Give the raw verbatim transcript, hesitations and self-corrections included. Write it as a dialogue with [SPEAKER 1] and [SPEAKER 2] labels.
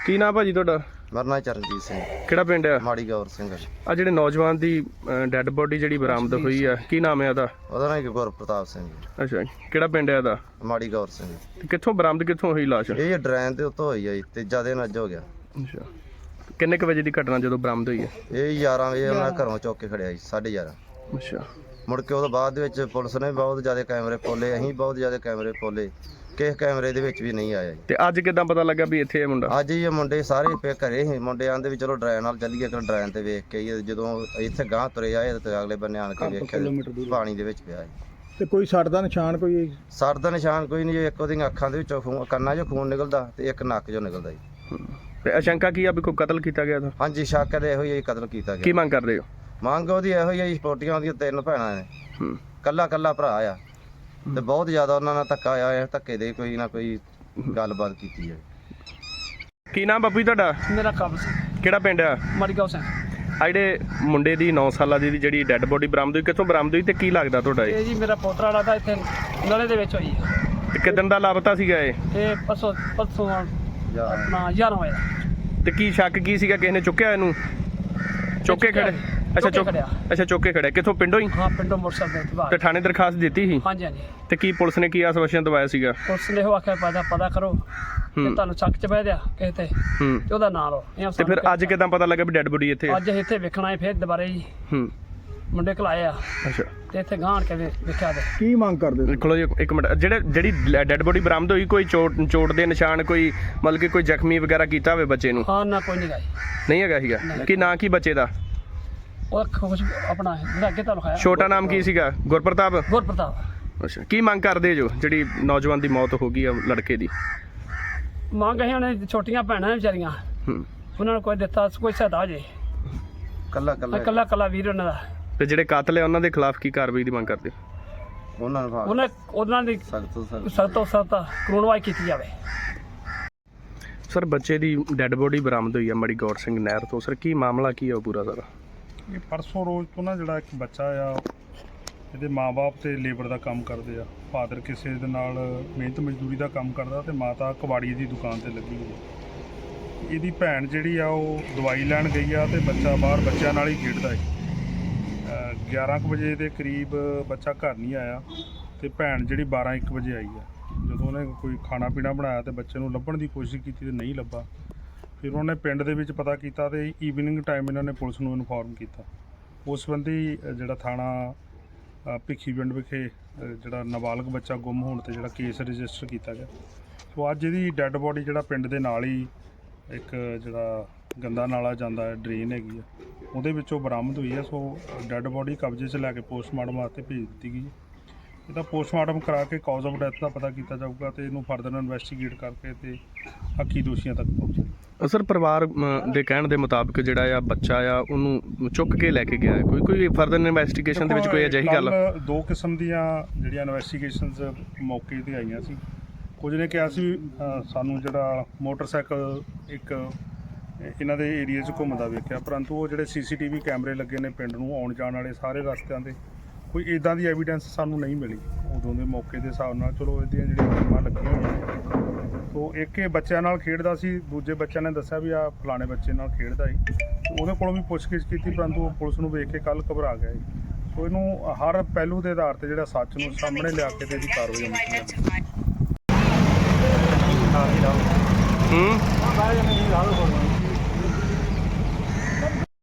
[SPEAKER 1] ਕੀ ਨਾਮ ਭਾਜੀ ਤੁਹਾਡਾ?
[SPEAKER 2] ਮੇਰਾ ਨਾਮ ਚਰਨਜੀਤ ਸਿੰਘ।
[SPEAKER 1] ਕਿਹੜਾ ਪਿੰਡ ਆ?
[SPEAKER 2] ਮਾੜੀ ਗੌਰ ਸਿੰਘ।
[SPEAKER 1] ਆ ਜਿਹੜੇ ਨੌਜਵਾਨ ਦੀ ਡੈੱਡ ਬੋਡੀ ਜਿਹੜੀ ਬਰਾਮਦ ਹੋਈ ਆ, ਕੀ ਨਾਮ ਹੈ ਉਹਦਾ?
[SPEAKER 2] ਉਹਦਾ ਨਾਮ ਗੁਰਪ੍ਰਤਾਪ ਸਿੰਘ।
[SPEAKER 1] ਅੱਛਾ, ਕਿਹੜਾ ਪਿੰਡ ਹੈ ਇਹਦਾ?
[SPEAKER 2] ਮਾੜੀ ਗੌਰ ਸਿੰਘ।
[SPEAKER 1] ਤੇ ਕਿੱਥੋਂ ਬਰਾਮਦ ਕਿੱਥੋਂ ਹੋਈ ਲਾਸ਼?
[SPEAKER 2] ਇਹ ਡਰੈਨ ਦੇ ਉੱਤੋਂ ਹੋਈ ਆ ਜੀ, ਤੀਜਾ ਦਿਨ ਅੱਜ ਹੋ ਗਿਆ।
[SPEAKER 1] ਅੱਛਾ, ਕਿੰਨੇ ਕੁ ਵਜੇ ਦੀ ਘਟਨਾ ਜਦੋਂ ਬਰਾਮਦ ਹੋਈ ਹੈ?
[SPEAKER 2] ਇਹ ਗਿਆਰਾਂ ਵਜੇ ਉਹਨਾਂ ਘਰੋਂ ਚੁੱਕ ਕੇ ਖੜਿਆ ਜੀ, ਸਾਢੇ ਗਿਆਰਾਂ।
[SPEAKER 1] ਅੱਛਾ,
[SPEAKER 2] ਮੁੜ ਕੇ ਉਹਦੇ ਬਾਅਦ ਦੇ ਵਿੱਚ ਪੁਲਿਸ ਨੇ ਬਹੁਤ ਜ਼ਿਆਦਾ ਕੈਮਰੇ ਖੋਲੇ, ਅਸੀਂ ਬਹੁਤ ਜ਼ਿਆਦਾ ਕੈਮਰੇ ਖੋਲੇ, ਕਿਸੇ ਕੈਮਰੇ ਦੇ ਵਿੱਚ ਵੀ ਨਹੀਂ ਆਇਆ ਜੀ।
[SPEAKER 1] ਤੇ ਅੱਜ ਕਿਦਾਂ ਪਤਾ ਲੱਗਾ ਵੀ ਇੱਥੇ ਇਹ ਮੁੰਡਾ?
[SPEAKER 2] ਅੱਜ ਇਹ ਮੁੰਡੇ ਸਾਰੇ ਪੇ ਘਰੇ ਸੀ, ਮੁੰਡੇ ਆਂਦੇ ਵੀ ਚਲੋ ਡਰੈਨ ਨਾਲ ਚੱਲੀਏ, ਕਿ ਡਰੈਨ ਤੇ ਵੇਖ ਕੇ ਆਈਏ। ਜਦੋਂ ਇੱਥੇ ਗਾਂਹ ਤੁਰੇ ਆਏ ਤੇ ਅਗਲੇ ਬੰਨੇ ਆਣ ਕੇ ਵੇਖਿਆ ਪਾਣੀ ਦੇ ਵਿੱਚ ਪਿਆ ਜੀ।
[SPEAKER 3] ਤੇ ਕੋਈ ਸੱਟ ਦਾ ਨਿਸ਼ਾਨ ਕੋਈ?
[SPEAKER 2] ਸਰ ਦਾ ਨਿਸ਼ਾਨ ਕੋਈ ਨਹੀਂ ਜੀ, ਇੱਕ ਉਹਦੀਆਂ ਅੱਖਾਂ ਦੇ ਵਿੱਚੋਂ ਖੂਨ, ਕੰਨਾਂ 'ਚੋਂ ਖੂਨ ਨਿਕਲਦਾ ਤੇ ਇੱਕ ਨੱਕ 'ਚੋਂ ਨਿਕਲਦਾ ਜੀ।
[SPEAKER 1] ਤੇ ਅਸ਼ੰਕਾ ਕੀ ਆ ਵੀ ਕੋਈ ਕਤਲ ਕੀਤਾ ਗਿਆ ਤਾਂ?
[SPEAKER 2] ਹਾਂਜੀ, ਸ਼ੱਕ ਦੇ ਇਹੋ ਹੀ ਕਤਲ ਕੀਤਾ ਗਿਆ।
[SPEAKER 1] ਕੀ ਮੰਗ ਕਰਦੇ ਹੋ?
[SPEAKER 2] ਮੰਗ ਉਹਦੀ ਇਹੋ ਹੀ ਹੈ, ਸਪੋਰਟੀਆਂ ਉਹਦੀਆਂ ਤਿੰਨ ਭੈਣਾਂ ਨੇ,
[SPEAKER 1] ਹੂੰ,
[SPEAKER 2] ਕੱਲਾ ਕੱਲਾ ਭਰਾ ਆ ਤੇ ਬਹੁਤ ਜ਼ਿਆਦਾ ਉਹਨਾਂ ਨਾਲ ਧੱਕਾ ਆਇਆ ਹੈ, ਧੱਕੇ ਦੇ ਕੋਈ ਨਾ ਕੋਈ ਗੱਲਬਾਤ ਕੀਤੀ ਹੈ।
[SPEAKER 1] ਕੀ ਨਾਮ ਬਾਪੂ ਜੀ ਤੁਹਾਡਾ?
[SPEAKER 4] ਮੇਰਾ ਕਬਜ਼
[SPEAKER 1] ਕਿਹੜਾ ਪਿੰਡ ਆ?
[SPEAKER 4] ਮੜਗਾਉਂ ਸਿੰਘ।
[SPEAKER 1] ਆ ਜਿਹੜੇ ਮੁੰਡੇ ਦੀ ਨੌ ਸਾਲਾਂ ਦੀ ਜਿਹੜੀ ਡੈੱਡ ਬੋਡੀ ਬਰਾਮਦ ਹੋਈ, ਕਿੱਥੋਂ ਬਰਾਮਦ ਹੋਈ ਤੇ ਕੀ ਲੱਗਦਾ ਤੁਹਾਡਾ ਇਹ?
[SPEAKER 4] ਇਹ ਜੀ ਮੇਰਾ ਪੋਤਰਾ ਲੱਗਦਾ, ਇੱਥੇ ਨਲੇ ਦੇ ਵਿੱਚ ਹੋਈ ਹੈ।
[SPEAKER 1] ਤੇ ਕਿਦਣ ਦਾ ਲਾਪਤਾ ਸੀਗਾ ਇਹ?
[SPEAKER 4] ਇਹ ਪਰਸੋਂ ਪਰਸੋਂ ਆਪਣਾ ਗਿਆਰਾਂ ਵਜੇ।
[SPEAKER 1] ਤੇ ਕੀ ਸ਼ੱਕ ਕੀ ਸੀਗਾ, ਕਿਸੇ ਨੇ ਚੁੱਕਿਆ ਇਹਨੂੰ? ਚੁੱਕ ਕੇ ਖੜੇ? ਅੱਛਾ, ਚੁੱਕ ਅੱਛਾ ਚੁੱਕ ਕੇ ਖੜਿਆ। ਕਿੱਥੋਂ, ਪਿੰਡੋਂ ਹੀ?
[SPEAKER 4] ਹਾਂ, ਪਿੰਡੋਂ ਮੋਟਰਸਾਈਕਲ ਤੇ ਬਾਹਰ।
[SPEAKER 1] ਤੇ ਥਾਣੇ ਦਰਖਾਸਤ ਦਿੱਤੀ ਸੀ?
[SPEAKER 4] ਹਾਂਜੀ ਹਾਂਜੀ।
[SPEAKER 1] ਤੇ ਕੀ ਪੁਲਿਸ ਨੇ ਕੀ ਆਸ਼ਵਾਸਨ ਦਵਾਇਆ ਸੀਗਾ?
[SPEAKER 4] ਪੁਲਿਸ ਨੇ ਉਹ ਆਖਿਆ ਪਤਾ ਪਤਾ ਕਰੋ ਤੇ ਤੁਹਾਨੂੰ ਚੱਕ ਚ ਬਹਿ ਦਿਆ ਕਿਸੇ ਤੇ
[SPEAKER 1] ਹੂੰ,
[SPEAKER 4] ਤੇ ਉਹਦਾ ਨਾਂ ਲਓ।
[SPEAKER 1] ਤੇ ਫਿਰ ਅੱਜ ਕਿਦਾਂ ਪਤਾ ਲੱਗਾ ਵੀ ਡੈੱਡ ਬੋਡੀ ਇੱਥੇ ਆ?
[SPEAKER 4] ਅੱਜ ਇੱਥੇ ਵੇਖਣਾ ਹੈ ਫਿਰ ਦੁਬਾਰੇ ਜੀ।
[SPEAKER 1] ਹੂੰ,
[SPEAKER 4] ਮੁੰਡੇ ਘਲਾਏ ਆ
[SPEAKER 1] ਅੱਛਾ।
[SPEAKER 4] ਤੇ ਇੱਥੇ ਗਾਂਢ ਕੇ ਵੇਖਿਆ ਤੇ
[SPEAKER 3] ਕੀ ਮੰਗ ਕਰਦੇ?
[SPEAKER 1] ਦੇਖੋ ਜੀ ਇੱਕ ਮਿੰਟ, ਜਿਹੜੇ ਜਿਹੜੀ ਡੈੱਡ ਬੋਡੀ ਬਰਾਮਦ ਹੋਈ, ਕੋਈ ਚੋਟ ਚੋਟ ਦੇ ਨਿਸ਼ਾਨ, ਕੋਈ ਮਤਲਬ ਕਿ ਕੋਈ ਜ਼ਖਮੀ ਵਗੈਰਾ ਕੀਤਾ ਹੋਵੇ ਬੱਚੇ ਨੂੰ?
[SPEAKER 4] ਹਾਂ, ਨਾ ਕੋਈ ਨਹੀਂ ਗਾਈ।
[SPEAKER 1] ਨਹੀਂ ਹੈਗਾ ਸੀਗਾ? ਕੀ ਨਾਂ ਕੀ ਬੱਚੇ ਦਾ?
[SPEAKER 4] ਉਹ ਕੁਛ ਆਪਣਾ ਜਿਹੜਾ ਅੱਗੇ ਤੁਹਾਨੂੰ ਖਾਇਆ।
[SPEAKER 1] ਛੋਟਾ ਨਾਮ ਕੀ ਸੀਗਾ? ਗੁਰਪ੍ਰਤਾਪ?
[SPEAKER 4] ਗੁਰਪ੍ਰਤਾਪ।
[SPEAKER 1] ਅੱਛਾ, ਕੀ ਮੰਗ ਕਰਦੇ ਜੋ ਜਿਹੜੀ ਨੌਜਵਾਨ ਦੀ ਮੌਤ ਹੋ ਗਈ ਆ ਲੜਕੇ ਦੀ?
[SPEAKER 4] ਮੰਗ ਅਸੀਂ ਉਹਨੇ ਛੋਟੀਆਂ ਭੈਣਾਂ ਵਿਚਾਰੀਆਂ,
[SPEAKER 1] ਹੂੰ,
[SPEAKER 4] ਉਹਨਾਂ ਨੂੰ ਕੋਈ ਦਿੱਤਾ ਕੋਈ ਸਹਾਇਤਾ ਹੋ ਜੇ।
[SPEAKER 2] ਕੱਲਾ ਕੱਲਾ
[SPEAKER 4] ਇਕੱਲਾ ਇਕੱਲਾ ਵੀਰ ਉਹਨਾਂ ਦਾ।
[SPEAKER 1] ਤੇ ਜਿਹੜੇ ਕਾਤਲ ਆ ਉਹਨਾਂ ਦੇ ਖਿਲਾਫ ਕੀ ਕਾਰਵਾਈ ਦੀ ਮੰਗ ਕਰਦੇ ਹੋ?
[SPEAKER 2] ਉਹਨਾਂ ਨੂੰ
[SPEAKER 4] ਉਹਨਾਂ ਉਹਨਾਂ ਦੀ
[SPEAKER 2] ਸਖਤ ਤੋਂ ਸਖਤ
[SPEAKER 4] ਸਖਤ ਤੋਂ ਸਖਤ ਕਾਨੂੰਨਵਾਈ ਕੀਤੀ ਜਾਵੇ।
[SPEAKER 1] ਸਰ, ਬੱਚੇ ਦੀ ਡੈੱਡ ਬੋਡੀ ਬਰਾਮਦ ਹੋਈ ਆ ਮੜੀ ਗੌਰ ਸਿੰਘ ਨਹਿਰ ਤੋਂ। ਸਰ, ਕੀ ਮਾਮਲਾ ਕੀ ਆ ਉਹ ਪੂਰਾ ਸਾਰਾ?
[SPEAKER 5] ਇਹ ਪਰਸੋਂ ਰੋਜ਼ ਤੋਂ ਨਾ ਜਿਹੜਾ ਇੱਕ ਬੱਚਾ ਆ, ਇਹਦੇ ਮਾਂ-ਬਾਪ ਤੇ ਲੇਬਰ ਦਾ ਕੰਮ ਕਰਦੇ ਆ। ਫਾਦਰ ਕਿਸੇ ਦੇ ਨਾਲ ਮਿਹਨਤ ਮਜ਼ਦੂਰੀ ਦਾ ਕੰਮ ਕਰਦਾ ਤੇ ਮਾਤਾ ਕਬਾੜੀ ਦੀ ਦੁਕਾਨ ਤੇ ਲੱਗੀ ਹੋਈ ਆ। ਇਹਦੀ ਭੈਣ ਜਿਹੜੀ ਆ ਉਹ ਦਵਾਈ ਲੈਣ ਗਈ ਆ ਤੇ ਬੱਚਾ ਬਾਹਰ ਬੱਚਿਆਂ ਨਾਲ ਹੀ ਖੇਡਦਾ ਹੈ। ਗਿਆਰਾਂ ਕੁ ਵਜੇ ਦੇ ਕਰੀਬ ਬੱਚਾ ਘਰ ਨਹੀਂ ਆਇਆ ਤੇ ਭੈਣ ਜਿਹੜੀ ਬਾਰਾਂ ਇੱਕ ਵਜੇ ਆਈ ਆ। ਜਦੋਂ ਉਹਨੇ ਕੋਈ ਖਾਣਾ ਪੀਣਾ ਬਣਾਇਆ ਤੇ ਬੱਚੇ ਨੂੰ ਲੱਭਣ ਦੀ ਕੋਸ਼ਿਸ਼ ਕੀਤੀ ਤੇ ਨਹੀਂ ਲੱਭਾ। ਫਿਰ ਉਹਨੇ ਪਿੰਡ ਦੇ ਵਿੱਚ ਪਤਾ ਕੀਤਾ ਤੇ ਈਵਨਿੰਗ ਟਾਈਮ ਇਹਨਾਂ ਨੇ ਪੁਲਿਸ ਨੂੰ ਇਨਫੋਰਮ ਕੀਤਾ। ਉਸ ਸੰਬੰਧੀ ਜਿਹੜਾ ਥਾਣਾ ਭਿੱਖੀ ਪਿੰਡ ਵਿਖੇ ਜਿਹੜਾ ਨਾਬਾਲਗ ਬੱਚਾ ਗੁੰਮ ਹੋਣ ਤੇ ਜਿਹੜਾ ਕੇਸ ਰਜਿਸਟਰ ਕੀਤਾ ਗਿਆ। ਸੋ ਅੱਜ ਇਹਦੀ ਡੈੱਡ ਬੋਡੀ ਜਿਹੜਾ ਪਿੰਡ ਦੇ ਨਾਲ ਹੀ ਇੱਕ ਜਿਹੜਾ ਗੰਦਾ ਨਾਲਾ ਜਾਂਦਾ ਹੈ, ਡਰੇਨ ਹੈਗੀ ਆ, ਉਹਦੇ ਵਿੱਚੋਂ ਬਰਾਮਦ ਹੋਈ ਹੈ। ਸੋ ਡੈੱਡ ਬੋਡੀ ਕਬਜ਼ੇ 'ਚ ਲੈ ਕੇ ਪੋਸਟਮਾਰਟਮ ਵਾਸਤੇ ਭੇਜ ਦਿੱਤੀ ਗਈ। ਇਹਦਾ ਪੋਸਟਮਾਰਟਮ ਕਰਾ ਕੇ ਕਾਜ਼ ਆਫ ਡੈਥ ਦਾ ਪਤਾ ਕੀਤਾ ਜਾਊਗਾ ਤੇ ਇਹਨੂੰ ਫਰਦਰ ਇਨਵੈਸਟੀਗੇਟ ਕਰਕੇ ਤੇ ਹੱਕੀ ਦੋਸ਼ੀਆਂ ਤੱਕ ਪਹੁੰਚੇ।
[SPEAKER 1] ਸਰ, ਪਰਿਵਾਰ ਦੇ ਕਹਿਣ ਦੇ ਮੁਤਾਬਕ ਜਿਹੜਾ ਆ ਬੱਚਾ ਆ ਉਹਨੂੰ ਚੁੱਕ ਕੇ ਲੈ ਕੇ ਗਿਆ ਹੈ। ਕੋਈ ਕੋਈ ਫਰਦਰ ਇਨਵੈਸਟੀਗੇਸ਼ਨ ਦੇ ਵਿੱਚ ਕੋਈ ਅਜਿਹੀ ਗੱਲ?
[SPEAKER 5] ਦੋ ਕਿਸਮ ਦੀਆਂ ਜਿਹੜੀਆਂ ਇਨਵੈਸਟੀਗੇਸ਼ਨਸ ਮੌਕੇ ਤੇ ਆਈਆਂ ਸੀ। ਕੁਝ ਨੇ ਕਿਹਾ ਸੀ ਸਾਨੂੰ ਜਿਹੜਾ ਮੋਟਰਸਾਈਕਲ ਇੱਕ ਇਹਨਾਂ ਦੇ ਏਰੀਆ 'ਚ ਘੁੰਮਦਾ ਵੇਖਿਆ, ਪਰੰਤੂ ਉਹ ਜਿਹੜੇ ਸੀ ਸੀ ਟੀ ਵੀ ਕੈਮਰੇ ਲੱਗੇ ਨੇ ਪਿੰਡ ਨੂੰ ਆਉਣ ਜਾਣ ਵਾਲੇ ਸਾਰੇ ਰਸਤਿਆਂ 'ਤੇ, ਕੋਈ ਇੱਦਾਂ ਦੀ ਐਵੀਡੈਂਸ ਸਾਨੂੰ ਨਹੀਂ ਮਿਲੀ ਉਦੋਂ ਦੇ ਮੌਕੇ ਦੇ ਹਿਸਾਬ ਨਾਲ। ਚਲੋ ਇਹਦੀਆਂ ਜਿਹੜੀਆਂ ਟੀਮਾਂ ਲੱਗੀਆਂ ਹੋਈਆਂ। ਸੋ ਇੱਕ ਇਹ ਬੱਚਿਆਂ ਨਾਲ ਖੇਡਦਾ ਸੀ, ਦੂਜੇ ਬੱਚਿਆਂ ਨੇ ਦੱਸਿਆ ਵੀ ਆ ਫਲਾਣੇ ਬੱਚੇ ਨਾਲ ਖੇਡਦਾ ਸੀ। ਉਹਦੇ ਕੋਲੋਂ ਵੀ ਪੁੱਛਗਿੱਛ ਕੀਤੀ, ਪਰੰਤੂ ਉਹ ਪੁਲਿਸ ਨੂੰ ਵੇਖ ਕੇ ਕੱਲ੍ਹ ਘਬਰਾ ਗਿਆ। ਸੋ ਇਹਨੂੰ ਹਰ ਪਹਿਲੂ ਦੇ ਆਧਾਰ 'ਤੇ ਜਿਹੜਾ ਸੱਚ ਨੂੰ ਸਾਹਮਣੇ ਲਿਆ ਕੇ ਤੇ ਇਹਦੀ ਕਾਰਵਾਈ ਹੋਣੀ ਚਾਹੀਦੀ ਹੈ।
[SPEAKER 1] ਹੂੰ।